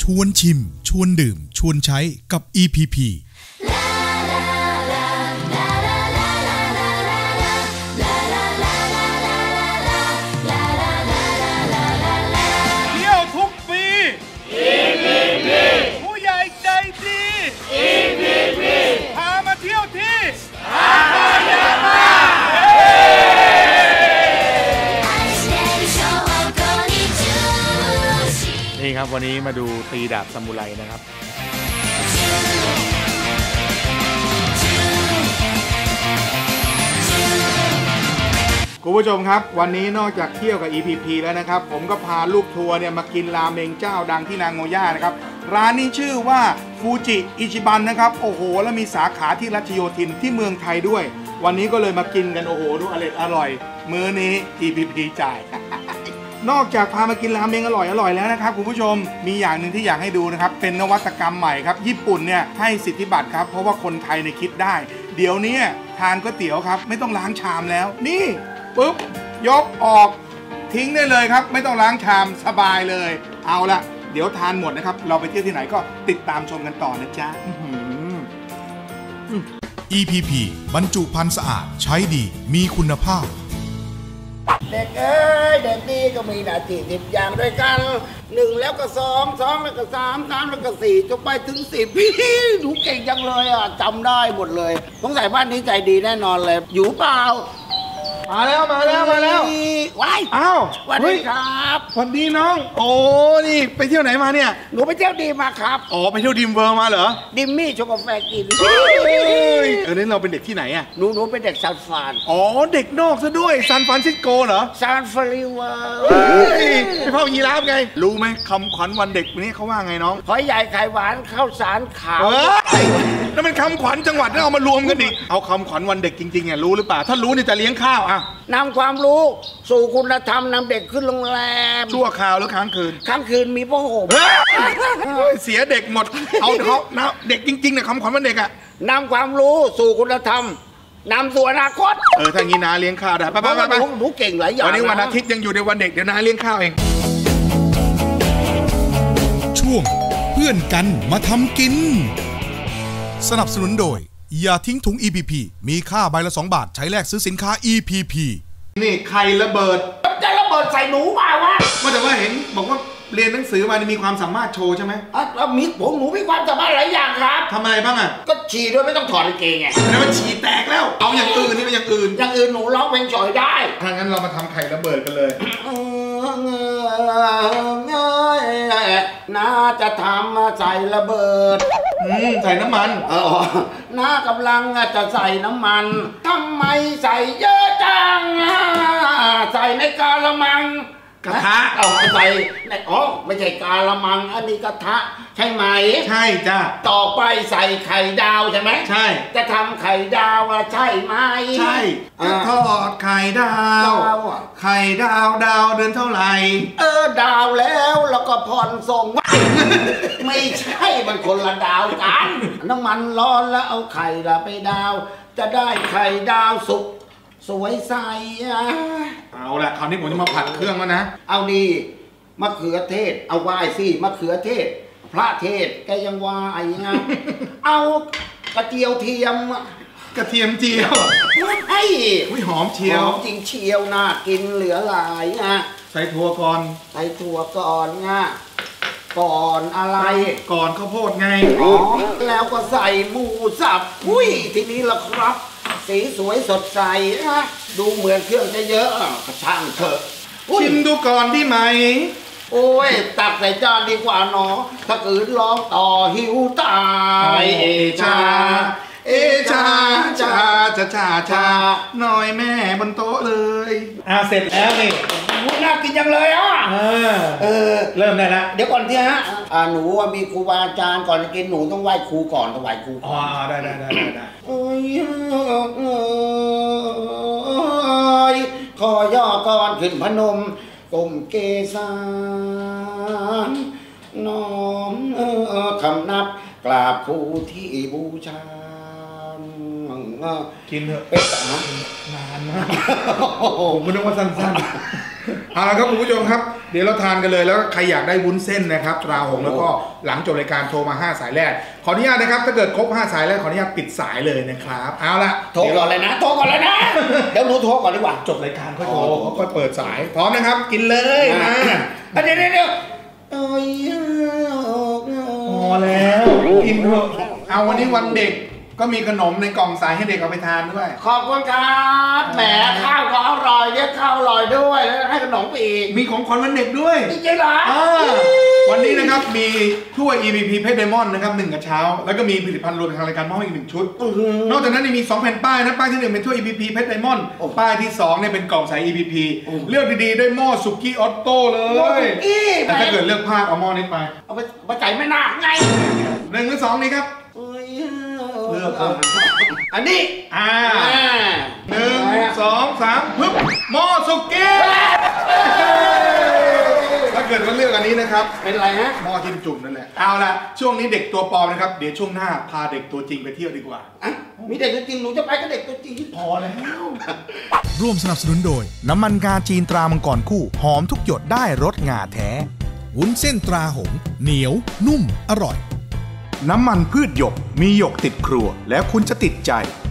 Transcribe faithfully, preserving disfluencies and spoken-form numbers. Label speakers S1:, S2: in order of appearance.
S1: วนชิมชวนดื่มชวนใช้กับ อี พี พี
S2: นี่ครับวันนี้มาดูตีดาบซามูไรนะครับคุณผู้ชมครับวันนี้นอกจากเที่ยวกับ อี พี พี แล้วนะครับผมก็พาลูกทัวร์เนี่ยมากินราเมงเจ้าดังที่นางโงย่านะครับร้านนี้ชื่อว่าฟูจิอิชิบันนะครับโอ้โหแล้วมีสาขาที่รัชโยธินที่เมืองไทยด้วยวันนี้ก็เลยมากินกันโอ้โหดูอร่อยอร่อยมื้อนี้ อี พี พี จ่ายนอกจากพามากินราเมงอร่อยอร่อยแล้วนะครับคุณผู้ชมมีอย่างหนึ่งที่อยากให้ดูนะครับเป็นนวัตกรรมใหม่ครับญี่ปุ่นเนี่ยให้สิทธิบัตรครับเพราะว่าคนไทยเนี่ยคิดได้เดี๋ยวนี้ทานก๋วยเตี๋ยวครับไม่ต้องล้างชามแล้วนี่ปุ๊บยกออกทิ้งได้เลยครับไม่ต้องล้างชามสบายเลยเอาละเดี๋ยวทานหมดนะครับเราไปเที่ยวที่ไหนก็ติดตามชมกันต่อนะจ๊ะ
S1: อี พี พี บรรจุภัณฑ์สะอาดใช้ดีมีคุณภาพ
S3: เด็กเอ้ยเด็กนี่ก็มีหน้าที่สิบอย่างด้วยกันหนึ่งแล้วก็สองสองแล้วก็สามสามแล้วก็สี่จนไปถึงสิบพี่หนูเก่งจังเลยอ่ะจำได้หมดเลยสงสัยบ้านนี้ใจดีแน่นอนเลยอยู่เปล่า
S2: มาแล้วมาแล้วมาแล้ว
S3: ว้าย
S2: อ้าว
S3: สวัสดีครับ
S2: สวัสดีน้องโอ้นี่ไปเที่ยวไหนมาเนี่ย
S3: หนูไปเที่ยวดีมาครับ
S2: อ๋อไปเที่ยวดิมเวอร์มาเหรอ
S3: ดิมมี่ชงกาแฟกิน
S2: เออนี่เราเป็นเด็กที่ไหนอ่ะ
S3: หนูหนูเป็นเด็กซานฟราน
S2: อ๋อเด็กนอกซะด้วยซานฟรานซิสโกเหรอ
S3: ซานฟรานซิสโก
S2: ไปเฝ้ายีราฟไงรู้ไหมคำขวัญวันเด็กวันนี้เขาว่าไงน้อง
S3: หอยใหญ่ไข่หวานข้าวสารขาว
S2: นั่นมันคำขวัญจังหวัดนั่นเอามารวมกันดิเอาคำขวัญวันเด็กจริงๆอ่ะรู้หรือเปล่าถ้ารู้เนี่ยจะเลี้ยงข้าวอ่ะ
S3: นำความรู้สู่คุณธรรมนำเด็กขึ้นโรงแรม
S2: ชั่วคราวหรือค้างคืน
S3: ค้างคืนมีพ่อห่ม
S2: เสียเด็กหมดเอาเขานะเด็กจริงๆเนี่ยคำขวัญวันเด็กอ่ะ
S3: นำความรู้สู่คุณธรรมนำสู่อนาคต
S2: เออถ้างี้นาเลี้ยงข้าวได้ไปไปไป
S3: หนูเก่งหลายอย่าง
S2: วันนี้วันอาทิตย์ยังอยู่ในวันเด็กเดี๋ยวนาเลี้ยงข้าวเอง
S1: ช่วงเพื่อนกันมาทำกินสนับสนุนโดยอย่าทิ้งถุง อี พี พี มีค่าใบละสองบาทใช้แลกซื้อสินค้า อี พี พี
S2: นี่ไข่ระเบิด
S3: จะระเบิดใส่หนูเปล่าวะ
S2: ว่าแต่ว่าเห็นบอกว่าเรียนหนังสือมามีความสามารถโชว์ใช่ไหม
S3: อ่ะมีผมหนูมีความสามารถหลายอย่างครับ
S2: ทำอะไรบ้างอ่ะ
S3: ก็ฉี่ด้วยไม่ต้องถอดกางเกงไง
S2: แล้วมันฉี่แตกแล้วเอาอย่างอื่นนี่เป็นอย่างอื่น
S3: อย่างอื่นหนูร้องเพลงฉ่อยได้
S2: ถ้างั้นเรามาทำไข่ระเบิดกันเลย
S3: น่าจะทำใส่ระเบิด
S2: ใส่น้ำมัน
S3: เออน้ากำลังจะใส่น้ำมันทำไมใส่เยอะจังใส่ในกาละมัง
S2: กระทะ
S3: เอาใส่ในอ๋อไม่ใช่กาละมังอันนี้กระทะใช่ไหม
S2: ใช่จ้ะ
S3: ต่อไปใส่ไข่ดาวใช่ไหม
S2: ใช่
S3: จะทำไข่ดาวใช่ไหม
S2: ใช่จะทอดไข่ดาวไข่ดาวดาวเดือนเท่าไหร่
S3: เออดาวแล้วแล้วก็ผ่อนส่งไม่ใช่มันคนละดาวกันน้ำมันร้อนแล้วเอาไข่ละไปดาวจะได้ไข่ดาวสุกสวยใส
S2: เอาละคราวนี้ผมจะมาผัดเครื่องแล้วนะ
S3: เอาดีมะเขือเทศเอาวายสิมะเขือเทศพระเทศแกยังวายไงเอากระเจียวเทียม
S2: กระเทียมเจียว
S3: ไอ้
S2: อุ้ยหอมเชียว
S3: หอมจริงเชียวน่ากินเหลือหลายนะ
S2: ใส่ถั่วก่อน
S3: ใส่ถั่วก่อนไงก่อนอะไร
S2: ก่อนข้าวโพดไง
S3: อ๋อแล้วก็ใส่หมูสับอุ้ยทีนี้ละครับสีสวยสดใสนะดูเหมือนเครื่องจะเยอะกระช่างเถอะ
S2: ชิมดูก่อนที่ไหม
S3: โอ้ยตักใส่จานดีกว่าเนาะถ้าเกิดร้องต่อหิวตาย
S2: เอชาเอชาชาชาชาชาหน่อยแม่บนโต๊ะเลยอ่าเสร็จแล้วนี่
S3: น่ากินจังเลยอ่ะ
S2: เออเริ่มได้ละ
S3: เดี๋ยวก่อนที่ฮะอ่าหนูมีครูบาอาจารย์ก่อนจะกินหนูต้องไหว้ครูก่อนต้องไหว้ครู
S2: อ๋อได้ได้ได้ได้
S3: โอ้ยขอย่อก่อนขึ้นพนมก้มเกศานน้อมคำนับกราบครูที่บูชา
S2: กินเถอะ
S3: เป็ด
S2: นานนะผมไม่นึกว่าสั้นๆเอาละครับคุณผู้ชมครับเดี๋ยวเราทานกันเลยแล้วใครอยากได้วุ้นเส้นนะครับตราหงแล้วก็หลังจบรายการโทรมาห้าสายแรกขออนุญาตนะครับถ้าเกิดครบห้าสายแรกขออนุญาตปิดสายเลยนะครับเอาละ
S3: โทรก่อนเลยนะโทรก่อนเลยนะเดี๋ยวหนูโทรก่อนดีกว่า
S2: จบรายการค่อยโทรค่อยเปิดสายพร้อมนะครับกินเลยนะ
S3: เดี๋ยวเดี๋ยวเดี๋ยว
S2: พอแล้วกินเถอะเอาวันนี้วันเด็กก็มีขนมในกล่องสายให้เด็กเอาไปทานด้วย
S3: ขอบคุณครับแหมข้าวก็อร่อยเนี่ยข้าวอร่อยด้วยแล้วให้ขนมอีก
S2: มีของขวัญวันเด็กด้วย
S3: จริงเหรอ
S2: วันนี้นะครับมีถ้วย อี พี พี เพชรไดมอนด์นะครับหนึ่งกระเช้าแล้วก็มีผลิตภัณฑ์รวมทางรายการมอบอีกหนึ่งชุดนอกจากนั้นยังมีสองแผ่นป้ายนะป้ายที่หนึ่งเป็นถ้วย อี พี พี เพชรไดมอนด์ป้ายที่สองเนี่ยเป็นกล่องสาย อี พี พี เลือกดีๆได้หม้อสุกี้ออโต้เลยแต่ถ้าเกิดเลือกพลาดเอาหม้อนี้ไป
S3: เอาไปไปใส่ไม่น่าไง
S2: หนึ่งหรือสองนี้ครับเลือก
S3: อันนี้
S2: อ่าหนึ่งสองสามปึ๊บหม้อสุกี้ถ้าเกิดว่าเลือกอันนี้นะครับ
S3: เป็นไรฮะ
S2: หม้อจิ้มจุ่มนั่นแหละเอาละช่วงนี้เด็กตัวปลอมนะครับเดี๋ยวช่วงหน้าพาเด็กตัวจริงไปเที่ยวดีกว่า
S3: อ่ะมีเด็กตัวจริงหนูจะไปกับเด็กตัวจริงที่พอแล้ว
S1: ร่วมสนับสนุนโดยน้ำมันงาจีนตรามังกรคู่หอมทุกหยดได้รสงาแท้วุ้นเส้นตราหงเหนียวนุ่มอร่อยน้ำมันพืชหยกมีหยกติดครัวแล้วคุณจะติดใจ